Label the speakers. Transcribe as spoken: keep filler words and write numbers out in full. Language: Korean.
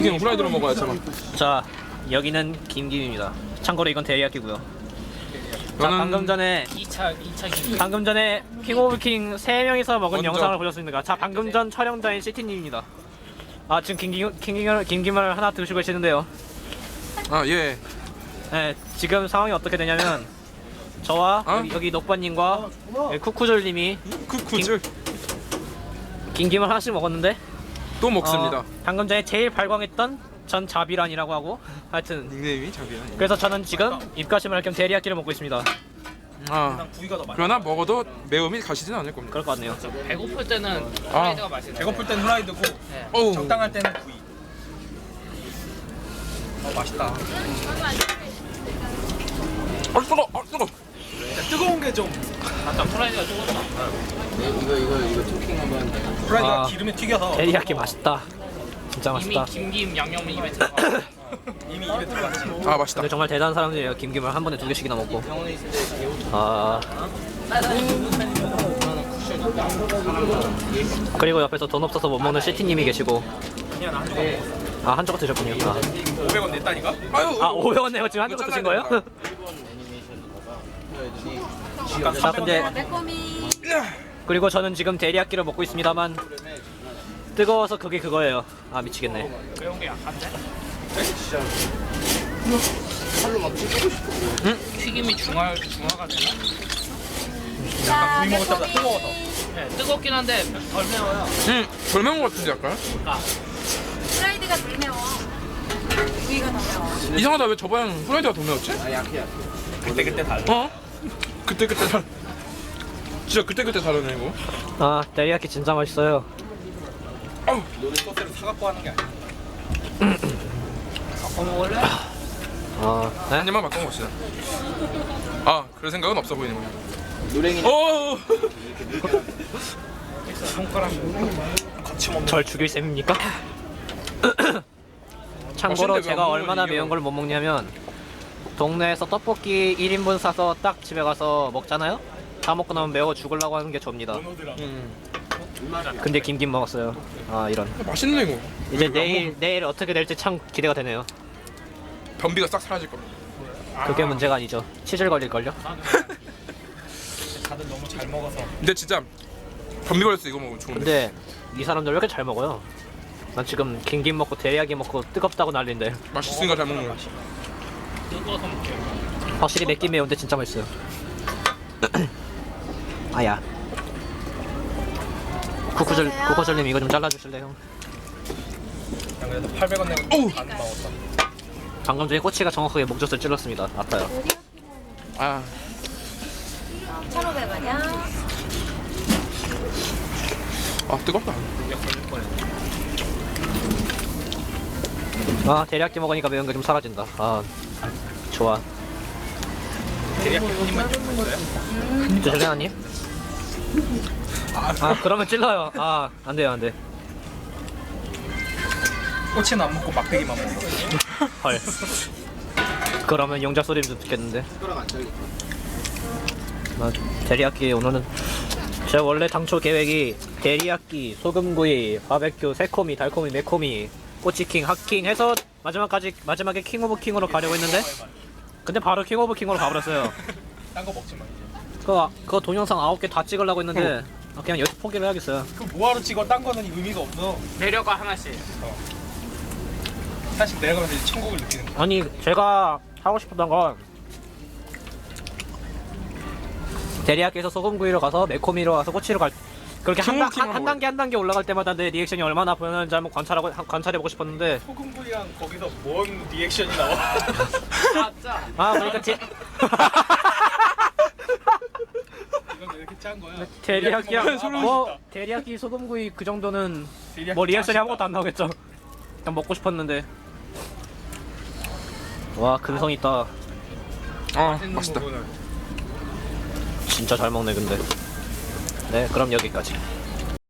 Speaker 1: 이게 후라이드로 먹어야 잠깐.
Speaker 2: 자, 여기는 김김입니다. 참고로 이건 대리야끼고요. 자,
Speaker 1: 저는-
Speaker 2: 방금 전에
Speaker 3: 이 차 이 차 김.
Speaker 2: 방금 전에 킹 오브 킹 세 명이서 먹은
Speaker 1: 먼저.
Speaker 2: 영상을 보셨습니까? 자, 방금 전 촬영자인 시티님입니다. 아, 지금 김김 김김을 김김을 하나 드시고 계시는데요.
Speaker 1: 아 예.
Speaker 2: 네, 지금 상황이 어떻게 되냐면 저와
Speaker 1: 어?
Speaker 2: 여기, 여기 녹바님과 여기 쿠쿠졸님이
Speaker 1: 쿠쿠즈
Speaker 2: 김김을 하나씩 먹었는데
Speaker 1: 또 먹습니다.
Speaker 2: 어, 방금 전에 제일 발광했던 전 자비란이라고 하고 하여튼
Speaker 1: 닉네임이 자비야.
Speaker 2: 그래서 저는 지금 입가심을 할 겸 대리야끼를 먹고 있습니다.
Speaker 1: 아 그러나 먹어도 매움이 가시진 않을 겁니다.
Speaker 2: 그럴 것 같네요.
Speaker 3: 배고플 때는
Speaker 1: 아.
Speaker 3: 프라이드가 맛있는데.
Speaker 4: 배고플 땐 후라이드고
Speaker 3: 네.
Speaker 1: 어우.
Speaker 4: 적당할 때는 구이. 어 맛있다.
Speaker 1: 아 뜨거, 아 뜨거.
Speaker 4: 뜨거운 게 좀
Speaker 3: 아까 프라이드가 조금
Speaker 4: 후라이드가
Speaker 2: 아,
Speaker 4: 기름에 튀겨서
Speaker 2: 대리야끼 맛있다. 진짜
Speaker 3: 이미
Speaker 2: 맛있다.
Speaker 3: 김김 양념은 입에 들어가.
Speaker 4: 이미 입에 들어갔지.
Speaker 1: 아 맛있다.
Speaker 2: 근데 정말 대단한 사람들이에요. 김김을 한 번에 두 개씩이나 먹고. 아. 그리고 옆에서 돈 없어서 못 먹는 시티님이 계시고.
Speaker 4: 그냥 한 조각 먹었어.
Speaker 2: 아, 한 조각 드셨군요. 아,
Speaker 4: 오백 원 냈다니까?
Speaker 1: 아유.
Speaker 2: 아 오백 원 내고 지금 한 조각 드신 거예요? 자, 근데
Speaker 5: 매콤이
Speaker 2: 그리고 저는 지금 대리야끼를 먹고 있습니다만 뜨거워서 그게 그거예요. 아, 미치겠네.
Speaker 3: 매운 게 약한데?
Speaker 2: 응?
Speaker 3: 튀김이 중화 중화가 되나?
Speaker 5: 자
Speaker 4: 구이 먹을 때보다 뜨거워서.
Speaker 3: 네, 뜨겁긴 한데 덜 매워요.
Speaker 1: 음, 덜 매운 것 같은데 약간.
Speaker 5: 프라이드가 덜 매워 구이가 더 매워
Speaker 1: 이상하다 왜 저번엔 후라이드가 더 매웠지?
Speaker 4: 그때 그때 달라.
Speaker 1: 어? 그때 그때 다. 진짜 그때 그때 다르네 이거.
Speaker 2: 아, 대리야끼 진짜 맛있어요.
Speaker 1: 아우.
Speaker 4: 너네 소스를 사갖고 하는 게 아니야.
Speaker 3: 갖고 먹을래?
Speaker 2: 아, 네?
Speaker 1: 한 입만 맛보고 봅시다. 아, 그럴 생각은 없어 보이는 거야. 노랭이. 어.
Speaker 4: 손가락 거침없는.
Speaker 2: 절 죽일 셈입니까? 참고로
Speaker 1: 맛있는데 왜
Speaker 2: 제가
Speaker 1: 안
Speaker 2: 얼마나
Speaker 1: 먹는
Speaker 2: 매운 걸 못 먹냐면 동네에서 떡볶이 일 인분 사서 딱 집에 가서 먹잖아요? 다 먹고 나면 매워 죽으려고 하는 게 접니다.
Speaker 1: 음.
Speaker 2: 근데 김김 먹었어요. 아, 이런.
Speaker 1: 맛있네 이거.
Speaker 2: 이제
Speaker 1: 왜 안
Speaker 2: 내일
Speaker 1: 먹어?
Speaker 2: 내일 어떻게 될지 참 기대가 되네요.
Speaker 1: 변비가 싹 사라질 겁니다.
Speaker 2: 그게 문제가 아니죠. 치질 걸릴걸요?
Speaker 4: 다들 너무 잘 먹어서.
Speaker 1: 근데 진짜 변비 걸렸어 이거 먹으면 좋은데.
Speaker 2: 근데 이 사람들 왜 이렇게 잘 먹어요? 난 지금 김김 먹고 대리야끼 먹고 뜨겁다고 난리인데
Speaker 1: 맛있으니까 잘 먹는 거야.
Speaker 3: 뜨거워서 먹게.
Speaker 2: 확실히 맵긴 매운데 진짜 맛있어요. 아야. 쿠쿠절
Speaker 5: 어서오세요.
Speaker 2: 쿠쿠절님 이거 좀 잘라주실래요?
Speaker 4: 난 그래도 팔백 원 내고
Speaker 1: 어우.
Speaker 4: 반 먹었다.
Speaker 2: 방금 전에 꼬치가 정확하게 목젖을 찔렀습니다. 아파요.
Speaker 1: 아,
Speaker 5: 천오백 원이야
Speaker 1: 아 뜨겁다.
Speaker 2: 아, 대리야끼 먹으니까 매운 게 좀 사라진다. 아, 좋아.
Speaker 4: 대리야끼 한 입만 좀 먹어요?
Speaker 2: 드실래요, 한입? 아, 그러면 찔러요. 아, 안 돼요, 안 돼.
Speaker 4: 꼬치는 안 먹고 막대기만 먹어.
Speaker 2: 헐. 그러면 용자 소리 좀 듣겠는데. 아, 대리야끼 오늘은 제가 원래 당초 계획이 대리야끼, 소금구이, 바베큐, 새코미, 달코미, 매코미, 꼬치킹, 핫킹 해서 마지막까지 마지막에 킹 오브 킹으로 가려고 했는데 근데 바로 킹 오브 킹으로 가버렸어요.
Speaker 4: 딴 거 먹지 마 이제.
Speaker 2: 그거 그거 동영상 아홉 개 다 찍으려고 했는데 아, 그냥 여기서 포기를 해야겠어요.
Speaker 4: 그 뭐하러 찍어? 딴 거는 의미가 없어.
Speaker 3: 내려가 하나씩.
Speaker 4: 사실 내려가면서 이제 천국을 느끼는 거야.
Speaker 2: 아니 제가 하고 싶었던 건 대리야끼에서 소금구이로 가서 매코미로 가서 꼬치로 갈 그렇게 한, 단- 한, 한 단계 한 단계 올라갈 때마다 내 리액션이 얼마나 보였는지 한번 관찰하고 한- 관찰해보고 싶었는데
Speaker 4: 소금구이랑 거기서 뭔 리액션이 나와?
Speaker 3: 아짜.
Speaker 2: 아 그러니까 제
Speaker 4: 이건 왜 이렇게 짠 거야?
Speaker 2: 대리야끼랑
Speaker 4: 소름
Speaker 2: 뭐
Speaker 4: 돋았다.
Speaker 2: 대리야끼 소금구이 그 정도는
Speaker 4: 대리야끼
Speaker 2: 뭐 리액션이
Speaker 4: 맛있다.
Speaker 2: 아무것도 안 나오겠죠. 그냥 먹고 싶었는데 와 근성 있다.
Speaker 1: 아, 맛있다.
Speaker 2: 진짜 잘 먹네 근데. 네 그럼 여기까지.